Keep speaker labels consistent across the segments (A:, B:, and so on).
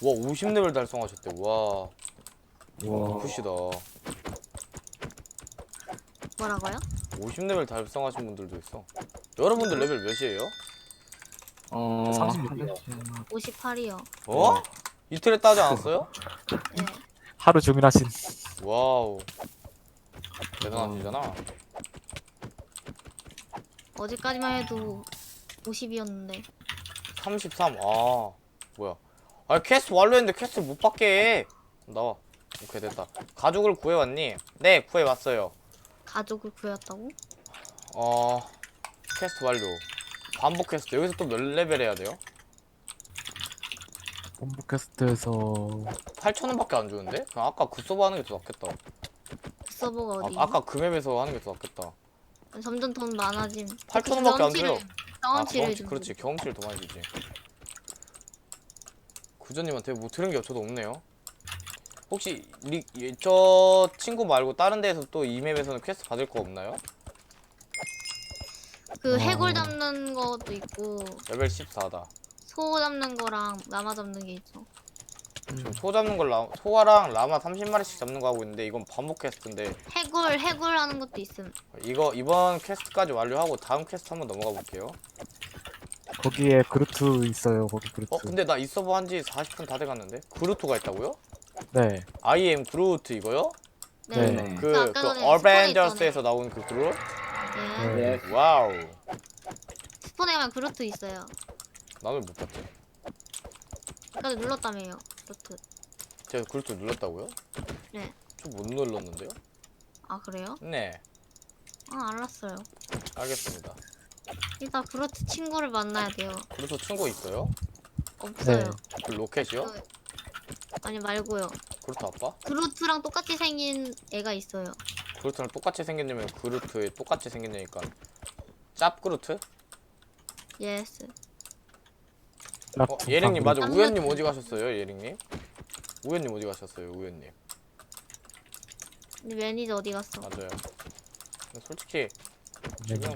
A: 50레벨 달성하셨대. 와.
B: 와.
A: 푸시다.
C: 뭐라고요?
A: 50레벨 달성하신 분들도 있어. 여러분들 레벨 몇이에요?
B: 36이요.
C: 58이요.
A: 어? 이틀에 따지 않았어요?
C: 네.
D: 하루 종일 하신.
A: 와우. 대단하시잖아.
C: 어제까지만 해도 50이었는데.
A: 33. 아, 뭐야. 아, 퀘스트 완료했는데 퀘스트 못 받게 해. 나와. 오케이, 됐다. 가족을 구해왔니? 네, 구해왔어요.
C: 가족을 구했다고?
A: 퀘스트 완료. 반복 퀘스트. 여기서 또 몇 레벨 해야 돼요?
D: 본부 퀘스트에서
A: 8,000원밖에 안 주는데? 그냥 아까 그 서버 하는 게 더 낫겠다.
C: 그 서버가 어디?
A: 아까 그 맵에서 하는 게 더 낫겠다.
C: 점점 돈 많아짐.
A: 8,000원밖에 안 줘요.
C: 경험치를 좀.
A: 그렇지. 경험치를 더 많이 주지. 구조님한테 뭐 들은 게 저도 없네요. 혹시 저 친구 말고 다른 데에서 또 이 맵에서는 퀘스트 받을 거 없나요?
C: 그 해골 잡는 것도 있고
A: 레벨 14다.
C: 소 잡는 거랑 라마 잡는 게 있어.
A: 지금 소 잡는 걸 소아랑 라마 30마리씩 잡는 거 하고 있는데 이건 반복 퀘스트인데
C: 해골 하는 것도 있음.
A: 이거 이번 퀘스트까지 완료하고 다음 퀘스트 한번 넘어가 볼게요.
D: 거기에 그루트 있어요. 거기 그루트.
A: 근데 나 이 서버 한지 40분 다 돼갔는데 그루트가 있다고요?
D: 네.
A: I am 그루트 이거요?
C: 네.
D: 네.
A: 그
C: 아까 전에
A: 어벤져스에서 나온 그 그루?
C: 예.
B: 네.
A: 와우.
C: 스폰에 가면 그루트 있어요.
A: 나는 못 봤지.
C: 아까 눌렀다며요. 그루트.
A: 제가 그루트 눌렀다고요?
C: 네.
A: 저 못 눌렀는데요?
C: 아 그래요?
A: 네,
C: 아 알았어요.
A: 알겠습니다.
C: 일단 그루트 친구를 만나야 돼요.
A: 그루트 친구 있어요?
C: 없어요.
D: 네.
A: 그 로켓이요?
C: 그- 아니 말고요.
A: 그루트 아빠?
C: 그루트랑 똑같이 생긴 애가 있어요.
A: 그루트랑 똑같이 생겼냐면 그루트에 똑같이 생겼냐니까 짭 그루트?
C: 예스.
A: 예령님 맞아.
C: 깜짝이야.
A: 우연님 어디 가셨어요, 예령님? 우연님 어디 가셨어요, 우연님?
C: 근데 매니저 어디 갔어?
A: 맞아요. 근데 솔직히
D: 네.
A: 지금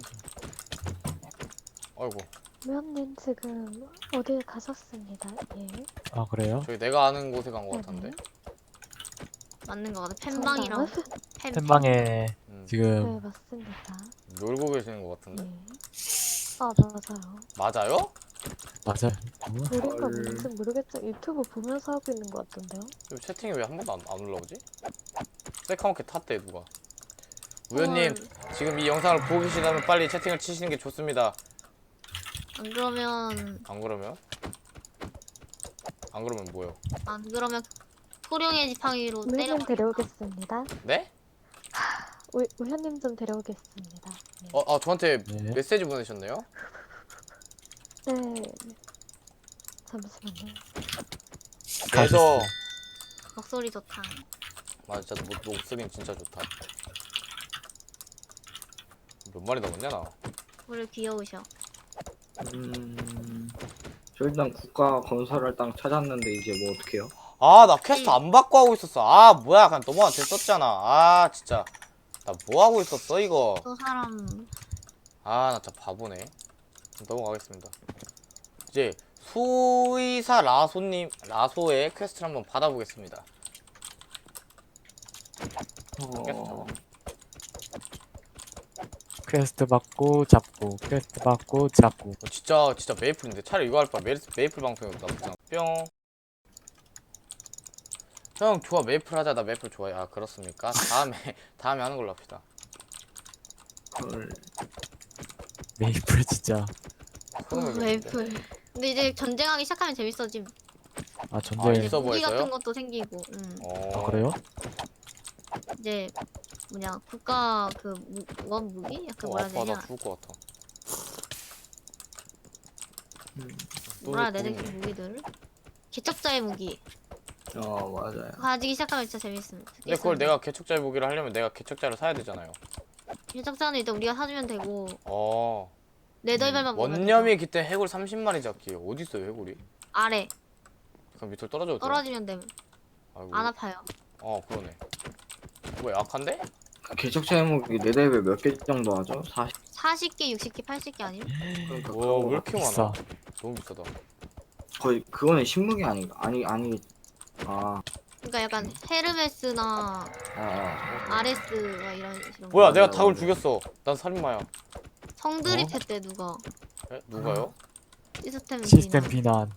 A: 아이고
E: 우연님 지금 어딜 가셨습니다. 예.
D: 아 그래요?
A: 저기 내가 아는 곳에 간 것 같은데.
C: 맞는 거 같아. 팬방이랑
D: 팬방에
A: 음,
D: 지금
E: 네, 맞습니다.
A: 놀고 계시는 것 같은데.
E: 예. 아, 맞아요.
A: 맞아요?
D: 맞아요.
E: 우리가 뭔지 모르겠죠. 유튜브 보면서 하고 있는 것 같던데요.
A: 지금 채팅이 왜 한 번도 안 올라오지? 새카맣게 탔대 누가. 우연님 지금 이 영상을 보고 계시다면 빨리 채팅을 치시는 게 좋습니다.
C: 안 그러면
A: 안 그러면 뭐요?
C: 토룡의 지팡이로 때려.
E: 우현님 데려오겠습니다.
A: 네?
E: 우현님 좀 데려오겠습니다. 네.
A: 저한테
D: 네.
A: 메시지 보내셨네요?
E: 네. 잠시만요.
A: 그래서
C: 목소리 좋다.
A: 맞아, 목소리는 진짜 좋다. 몇 마리 남았냐 나?
C: 우리 귀여우셔.
B: 저 일단 국가 건설할 땅 찾았는데 이제 뭐 어떡해요?
A: 나 퀘스트 안 받고 하고 있었어. 뭐야, 그냥 너무한 됐었잖아. 진짜 나 뭐 하고 있었어 이거.
C: 또 사람
A: 나 진짜 바보네. 넘어가겠습니다. 이제 수의사 라소의 퀘스트를 한번 받아보겠습니다.
D: 퀘스트 받고 잡고 퀘스트 받고 잡고.
A: 진짜 메이플인데 차라리 이거 할 바에 메이플 방송이었다. 뿅. 형 좋아, 메이플 하자. 나 메이플 좋아해. 그렇습니까? 다음에 하는 걸로 합시다.
B: 헐.
D: 메이플 진짜.
C: 웨이플. 근데 이제 전쟁하기 시작하면 재밌어짐.
D: 전쟁.
A: 이 서버에서요?
C: 무기 같은 것도 생기고.
D: 그래요?
C: 이제 뭐냐 국가 그 원 무기? 약간 뭐라 해야
A: 아파,
C: 되냐?
A: 나 죽을 것 같아.
C: 뭐라 해야 되지? 그 무기들. 개척자의 무기.
B: 맞아요.
C: 가지기 시작하면 진짜 재밌음.
A: 근데 그걸 내가 개척자의 무기를 하려면 내가 개척자를 사야 되잖아요.
C: 개척자는 일단 우리가 사주면 되고
A: 어.
C: 네덜벨만 먹으면
A: 원념이 깃든 해골 30마리 잡기. 어디 있어요, 해골이?
C: 아래
A: 그럼 밑으로 떨어져도 돼요?
C: 떨어지면 됨.
A: 아이고.
C: 안 아파요.
A: 그러네. 뭐 약한데?
B: 개척자 해목이 4레벨 몇 개 정도 하죠? 40?
C: 40개, 60개, 80개 아니면?
B: 그러니까
A: 와, 왜
B: 그거
A: 이렇게
D: 비싸.
A: 많아? 너무 비싸다.
B: 거의 그거는 신무기 아닌가? 아니. 아,
C: 그러니까 약간 헤르메스나
B: 아.
C: 아레스가 이런
A: 뭐야,
B: 맞아요,
A: 내가 닭을
B: 맞아요.
A: 죽였어. 난 살인마야.
C: 성드립 했대 누가.
A: 에? 누가요?
D: 시스템
C: 비난.
D: 비난.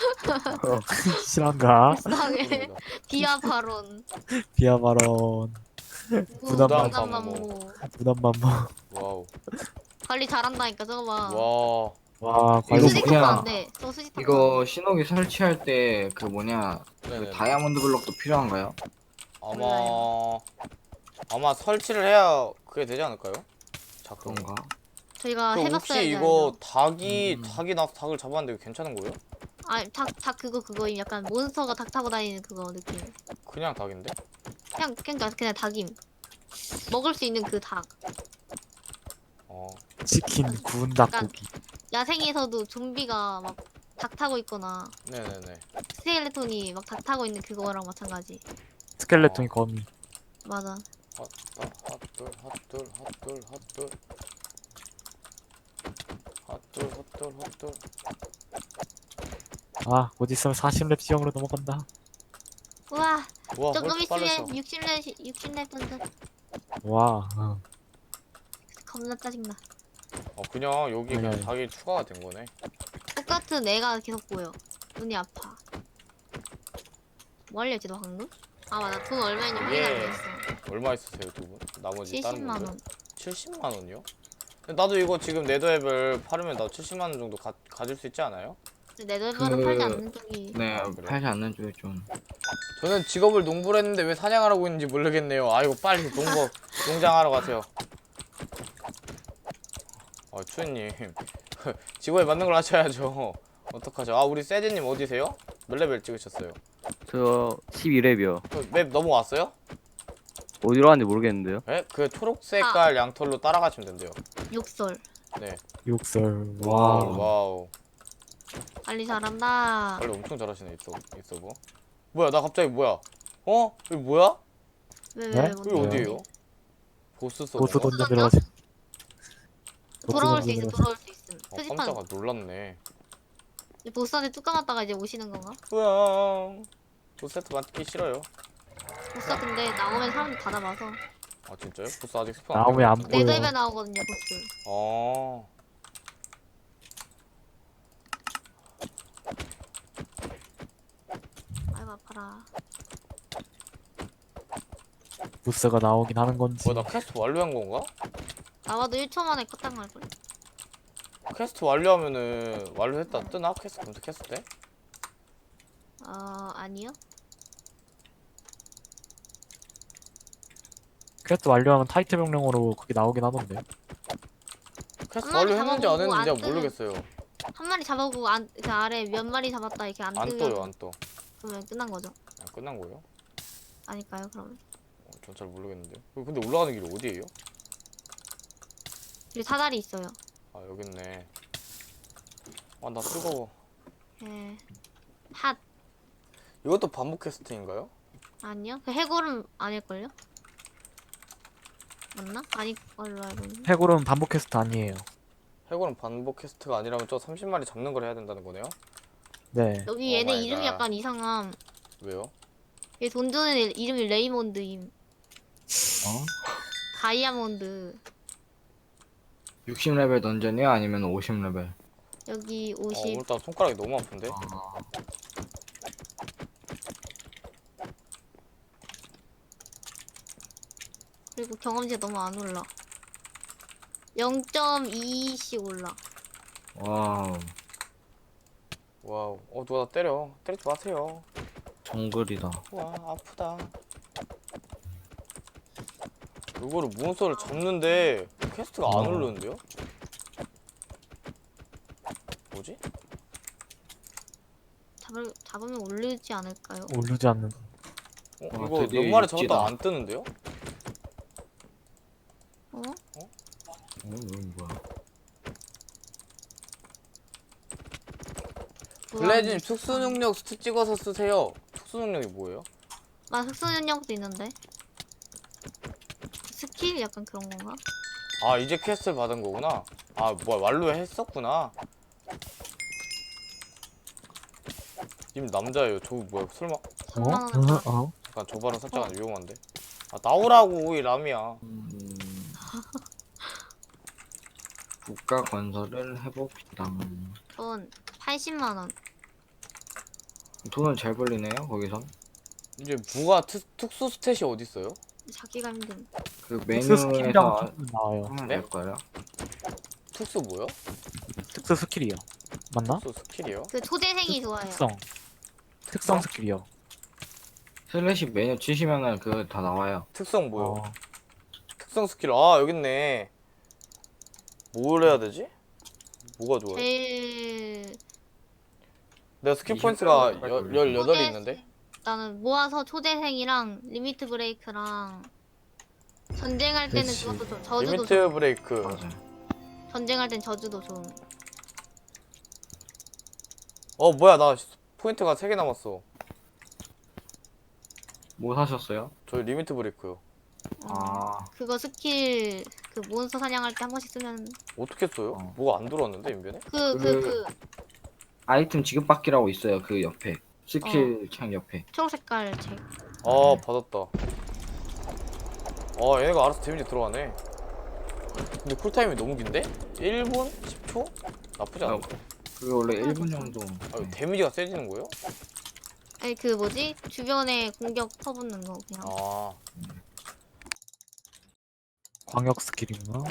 D: 실한가?
C: 불쌍해.
A: 모릅니다.
C: 비하 발언.
D: 비하 발언.
A: 부담
C: 부담
A: 반모.
C: 반모.
D: 부담만만.
A: 와우.
C: 관리 잘한다니까 저거 봐.
A: 와.
D: 와,
B: 이거
D: 관리
C: 수직
B: 뭐냐?
C: 타면 안 돼. 저 수직 타면 안
B: 이거
C: 돼.
B: 신호기 설치할 때 그 뭐냐? 그
A: 네네.
B: 다이아몬드 블럭도 필요한가요?
A: 아마 설치를 해야 그게 되지 않을까요? 작동.
B: 그런가?
C: 저희가
A: 그럼
C: 해봤어야
A: 혹시
C: 지
A: 이거 닭이
B: 음.
A: 나서 닭을 잡았는데 이거 괜찮은 거예요?
C: 닭 그거 약간 몬스터가 닭 타고 다니는 그거 느낌.
A: 그냥 닭인데?
C: 그냥 닭임. 먹을 수 있는 그 닭.
A: 어.
D: 치킨 구운
C: 약간
D: 닭고기.
C: 야생에서도 좀비가 막 닭 타고 있거나
A: 네네네.
C: 스켈레톤이 막 닭 타고 있는 그거랑 마찬가지.
D: 스켈레톤이 거미.
C: 맞아.
A: 핫둘.
D: 아, 곧 있으면 40렙 지형으로 넘어간다.
C: 우와.
A: 우와,
C: 조금
A: 훨씬 빨랐어.
C: 있으면 60렙 던져.
D: 와,
C: 겁나 짜증나.
A: 그냥 여기 그냥
D: 네.
A: 닭이 추가가 된 거네.
C: 똑같은 애가 계속 보여. 눈이 아파. 뭐 알려지 너 방금? 아 맞아. 돈 얼마인지 확인 안
A: 예.
C: 했어.
A: 얼마 있으세요, 두 분? 나머지 다른
C: 70만
A: 분들?
C: 원.
A: 70만 원이요? 근데 나도 이거 지금 네더앱을 팔으면 나 70만 원 정도 가질 수 있지 않아요?
C: 근데 내 돈으로
B: 그-
C: 팔지 않는 쪽이.
B: 네,
A: 아, 그래요?
B: 팔지 않는 쪽이 좀.
A: 저는 직업을 농부를 했는데 왜 사냥을 하고 있는지 모르겠네요. 아이고 빨리 농장하러 가세요. 추현님 직업에 맞는 걸 하셔야죠. 어떡하죠? 우리 세제님 어디세요? 몇 레벨 찍으셨어요?
F: 저 12렙이요.
A: 맵 넘어왔어요?
F: 어디로 갔는지 모르겠는데요.
A: 네? 그 초록 색깔 양털로 따라가시면 된대요.
C: 욕설.
A: 네.
D: 욕설.
B: 와우.
A: 와우.
C: 관리 잘한다.
A: 빨리 엄청 잘하시네 이 서버. 뭐야 나 갑자기 뭐야? 여기 뭐야?
C: 왜
D: 네?
A: 여기
D: 뭐야?
A: 어디예요? 보스 서버.
D: 보스 던져 들어가지.
C: 돌아올 수 있음. 돌아올 수 있음. 표지판.
A: 깜짝아 놀랐네.
C: 보스한테 뚝 감았다가 이제 오시는 건가?
A: 우와. 보스 세트 맞기 싫어요.
C: 보스가 근데 나오면 사람들 다 잡아서.
A: 아 진짜요? 보스 아직 스폰
D: 나오면 안
A: 된것
D: 보여.
A: 같은데?
C: 네더입에 나오거든요 보스.
A: 어.
C: 아이고 아파라.
D: 보스가 나오긴 하는 건지.
A: 뭐야 나 퀘스트 완료한 건가?
C: 나와도 1초 만에 껐단 말걸?
A: 퀘스트 완료하면은 완료했다 뜨나? 퀘스트 검색했을 때?
C: 아니요.
D: 퀘스트 완료하면 타이틀 명령으로 그게 나오긴 하던데.
A: 퀘스트
C: 한 마리
A: 완료했는지 안
C: 잡아보고
A: 했는지
C: 안
A: 잘
C: 뜨면-
A: 모르겠어요.
C: 한 마리 잡아보고 그 아래 몇 마리 잡았다 이렇게 안
A: 안
C: 뜨면
A: 떠요 안 떠.
C: 그러면 끝난 거죠.
A: 끝난 거예요?
C: 아닐까요 그러면?
A: 전 잘 모르겠는데요. 근데 올라가는 길이 어디예요?
C: 여기 사다리 있어요.
A: 여기 있네. 나 뜨거워.
C: 예. 핫.
A: 이것도 반복 퀘스트인가요?
C: 아니요. 그 해골은 아닐걸요? 맞나? 아닐 걸로 알고 있는데.
D: 해골은 반복 퀘스트 아니에요.
A: 해골은 반복 퀘스트가 아니라면 저 30마리 잡는 걸 해야 된다는 거네요?
D: 네.
C: 여기 얘네
A: 마이
C: 이름이
A: 갓.
C: 약간 이상함.
A: 왜요?
C: 얘 돈 주는 애 이름이 레이몬드임.
B: 어?
C: 다이아몬드.
B: 60레벨 던전이요? 아니면 50레벨?
C: 여기 50.
A: 오늘따라 손가락이 너무 아픈데?
B: 아,
C: 그리고 경험치가 너무 안 올라. 0.2씩 올라.
B: 와우.
A: 와우. 누가 나 때려. 때리지 마세요.
B: 정글이다.
A: 와, 아프다. 이거를 몬스터를 잡는데 퀘스트가 안 오르는데요? 뭐지?
C: 잡으면 오르지 않을까요?
D: 오르지 않는.
A: 이거
B: 드디어
A: 몇 마리
B: 육지다.
A: 잡았다 안 뜨는데요?
C: 어?
B: 이건 뭐야?
A: 블레즈님 특수 능력 스트 찍어서 쓰세요. 특수 능력이 뭐예요?
C: 흑수 능력도 있는데. 스킬 약간 그런 건가?
A: 이제 퀘스트를 받은 거구나. 뭐야 완료했었구나. 님 남자예요. 저 뭐야 설마?
C: 3만 원.
D: 어?
A: 잠깐 저 발언 살짝 위험한데. 아 나오라고 이 람이야.
B: 국가 건설을 해봅시다.
C: 돈 80만 원.
B: 돈은 잘 벌리네요 거기선.
A: 이제 무가 특수 스탯이 어디 있어요?
C: 찾기가 힘든.
B: 그
D: 특수 스킬이랑
B: 메뉴에서
D: 좀 나와요.
B: 하면
A: 네?
B: 될 거예요.
A: 특수 뭐요?
D: 특수 스킬이요. 맞나?
A: 특수 스킬이요?
C: 그 초재생이 좋아요.
D: 특성 스킬이요.
B: 슬래시 메뉴 치시면은 그거 다 나와요.
A: 특성 뭐요?
D: 어,
A: 특성 스킬 아 여기 있네. 뭘 해야 되지? 뭐가 좋아요?
C: 제일
A: 내가 스킬 포인트가
B: 28
A: 18이 있는데?
C: 나는 모아서 초재생이랑 리미트 브레이크랑 전쟁할 때는
B: 그치.
C: 그것도 좀 저주도
A: 리미트
C: 좋음.
A: 브레이크.
B: 맞아요.
C: 전쟁할 땐 저주도 좋음.
A: 뭐야 나 포인트가 3개 남았어.
B: 뭐 사셨어요?
A: 저 리미트 브레이크요.
B: 아
C: 그거 스킬 그 몬스터 사냥할 때 한 번씩 쓰면
A: 어떻게 써요?
B: 어.
A: 뭐가 안 들어왔는데 인벤에?
C: 그
B: 아이템 지급받기라고 있어요. 그 옆에 스킬 창 옆에.
C: 초록색깔 책.
A: 아 받았다. 얘네가 알아서 데미지 들어가네. 근데 쿨타임이 너무 긴데? 1분? 10초? 나쁘지 않아.
B: 그게 원래 1분 정도.
A: 데미지가 세지는 거예요?
C: 아니 그 뭐지 주변에 공격 퍼붓는 거 그냥.
A: 아
D: 광역 스킬이구나.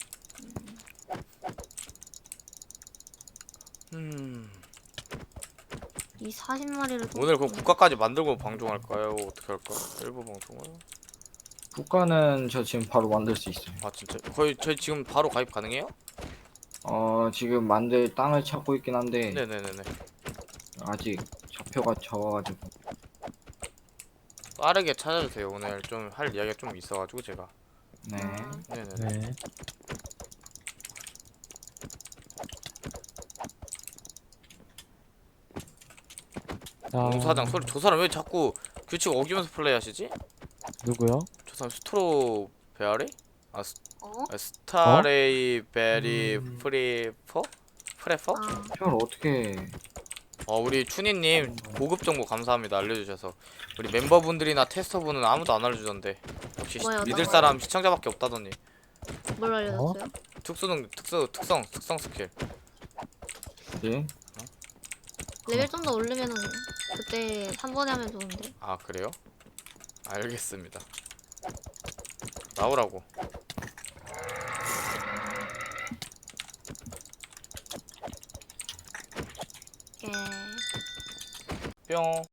C: 이 40마리를
A: 오늘 그럼 국가까지 만들고 방송할까요? 어떻게 할까? 일부 방송을?
B: 국가는 저 지금 바로 만들 수 있어요.
A: 아 진짜? 거의 저희 지금 바로 가입 가능해요?
B: 지금 만들 땅을 찾고 있긴 한데
A: 네네네네.
B: 아직 좌표가 적어가지고.
A: 빠르게 찾아주세요. 오늘 좀 할 이야기가 좀 있어가지고 제가.
B: 네.
A: 네네네.
D: 네. 자,
A: 공사장 소리 저 사람 왜 자꾸 규칙 어기면서 플레이하시지?
D: 누구요?
A: 저 사람 스트로 베아리?
C: 어?
A: 스타레이 베리 프리퍼? 프레퍼?
C: 아
B: 별 어떻게
A: 우리 추니님 고급 정보 감사합니다. 알려주셔서. 우리 멤버분들이나 테스터분은 아무도 안 알려주던데. 역시
C: 뭐야,
A: 믿을
C: 어떤
A: 사람 시청자밖에 없다더니.
C: 뭘 알려줬어요?
A: 특성 스킬.
B: 지
C: 레벨 좀 더 올리면은 그때 3번에 하면 좋은데.
A: 아 그래요? 알겠습니다. 나오라고.
C: 예.
A: 뿅.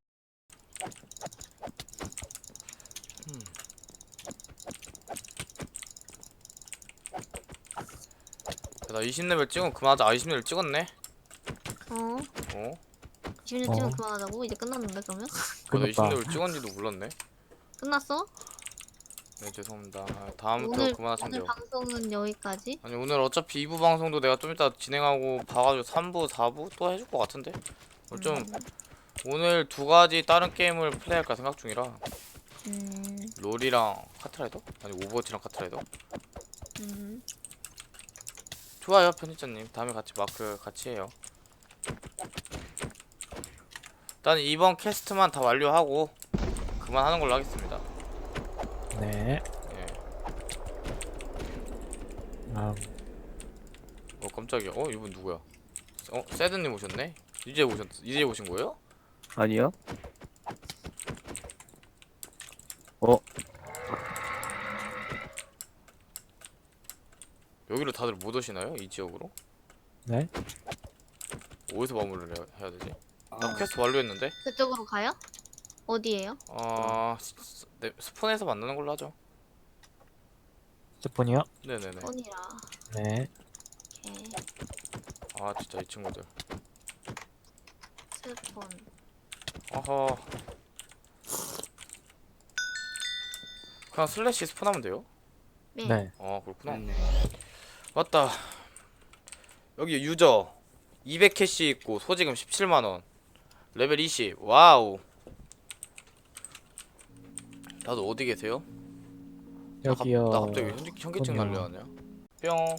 A: 나 20레벨 찍으면 그만하자. 20레벨 찍었네.
C: 어?
A: 어?
C: 20년
D: 어.
C: 찍으면 그만하자고? 이제 끝났는데 그러면?
A: 나
D: 끝났다.
A: 20레벨 찍었는지도 몰랐네.
C: 끝났어?
A: 네 죄송합니다. 다음부터
C: 오늘
A: 그만하시면
C: 오늘
A: 돼요.
C: 방송은 여기까지.
A: 아니 오늘 어차피 2부 방송도 내가 좀 이따 진행하고 봐가지고 3부, 4부 또 해줄 것 같은데? 좀 오늘 2가지 다른 게임을 플레이할까 생각 중이라 롤이랑 카트라이더? 아니 오버워치랑 카트라이더? 좋아요 편집자님. 다음에 같이 마크 같이 해요. 일단 이번 캐스트만 다 완료하고 그만하는 걸로 하겠습니다.
D: 네.
A: 예. 깜짝이야. 이분 누구야? 세드님 오셨네? 이제 오신 거예요?
F: 아니요?
A: 여기로 다들 못 오시나요? 이 지역으로?
D: 네.
A: 어디서 마무리를 해야 되지? 나 퀘스트 완료했는데?
C: 그쪽으로 가요? 어디에요?
A: 네, 스폰에서 만나는 걸로 하죠.
D: 스폰이요?
A: 네네네.
C: 폰이라.
D: 네.
C: 오케이.
A: 진짜 이 친구들.
C: 스폰.
A: 어허. 그냥 슬래시 스폰하면 돼요?
C: 네.
D: 네.
A: 그렇구나.
B: 네.
A: 맞다. 여기 유저 200캐시 있고 소지금 17만원. 레벨 20. 와우. 다들 어디 계세요?
D: 여기요.
A: 나 갑자기 현기증
D: 그럼요.
A: 날려하네요. 뿅.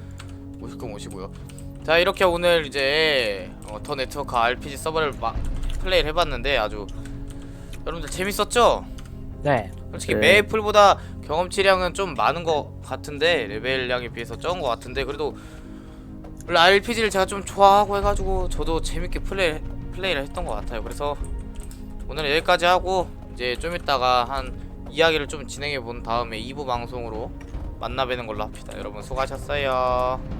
A: 오실 거 오시고요. 자 이렇게 오늘 이제 더 네트워크 RPG 서버를 플레이를 해봤는데 아주 여러분들 재밌었죠?
D: 네.
A: 솔직히
F: 네.
A: 메이플보다 경험치량은 좀 많은 것 같은데 레벨량에 비해서 적은 것 같은데 그래도 원래 RPG를 제가 좀 좋아하고 해가지고 저도 재밌게 플레이를 했던 것 같아요. 그래서 오늘은 여기까지 하고 이제 좀 이따가 한 이야기를 좀 진행해 본 다음에 2부 방송으로 만나 뵈는 걸로 합시다. 여러분 수고하셨어요.